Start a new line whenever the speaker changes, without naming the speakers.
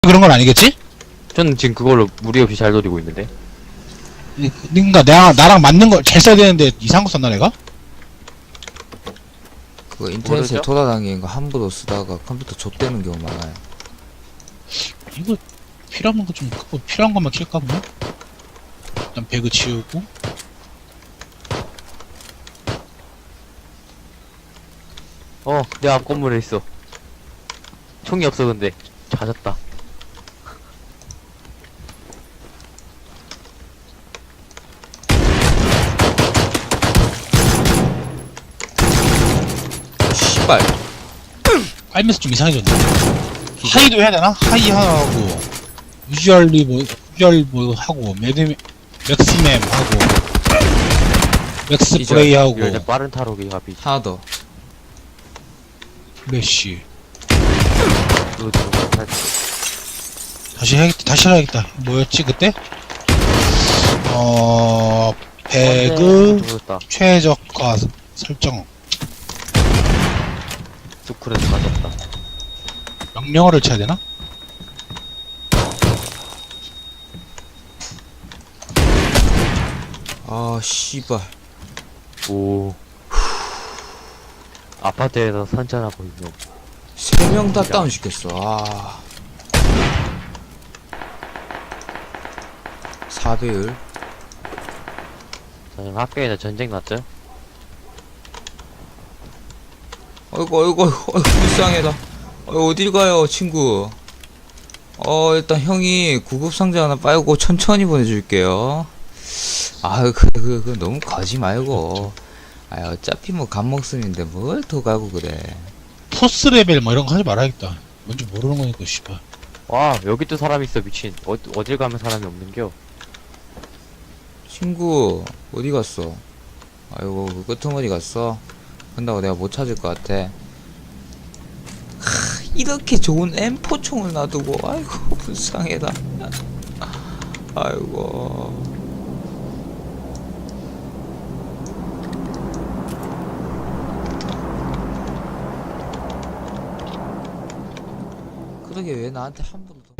그런 건 아니겠지?
저는 지금 그걸로 무리 없이 잘 노리고 있는데.
그니까 나랑 맞는 걸 잘 써야 되는데 이상한 거 썼나 내가?
그거 인터넷에
모르죠?
돌아다니는 거 함부로 쓰다가 컴퓨터 좆되는 경우 많아요.
이거 필요한 거 좀 크고 필요한 것만 킬까 보네? 일단 배그 치우고
내 앞 건물에 있어. 총이 없어 근데. 찾았다.
씨발.
깔면서 좀 이상해졌네. 하이도 해야 되나? 하이 하고 유주얼 뭐 하고 맥스맴 하고 맥스
기절.
플레이 하고
이럴 때 빠른 타로기 합이.
하나 더.
플래시
그거 좀 할-
다시 해야겠다. 뭐였지 그때? 배그
죽었다.
최저가 설정
스쿨에서 맞았다.
명령어를 쳐야 되나?
아 씨발.
오. 아파트에서 산책하고 있는.
3명 다 다운 시켰어. 아. 4배율.
저는 학교에서 전쟁 났죠?
어이구 불쌍해다. 어딜 가요 친구. 일단 형이 구급상자 하나 빨고 천천히 보내줄게요. 그 너무 가지 말고. 어차피 뭐 간목숨인데 뭘 더 가고 그래.
토스 레벨 뭐 이런 거 하지 말아야겠다. 뭔지 모르는 거니까 씨발.
와, 여기 또 사람 있어, 미친. 어딜 가면 사람이 없는겨?
친구 어디 갔어? 아이고 그 끄트머리 갔어? 간다고 내가 못 찾을 것 같아. 이렇게 좋은 M4 총을 놔두고 아이고 불쌍해다. 아이고. 그러게 왜 나한테 한 번.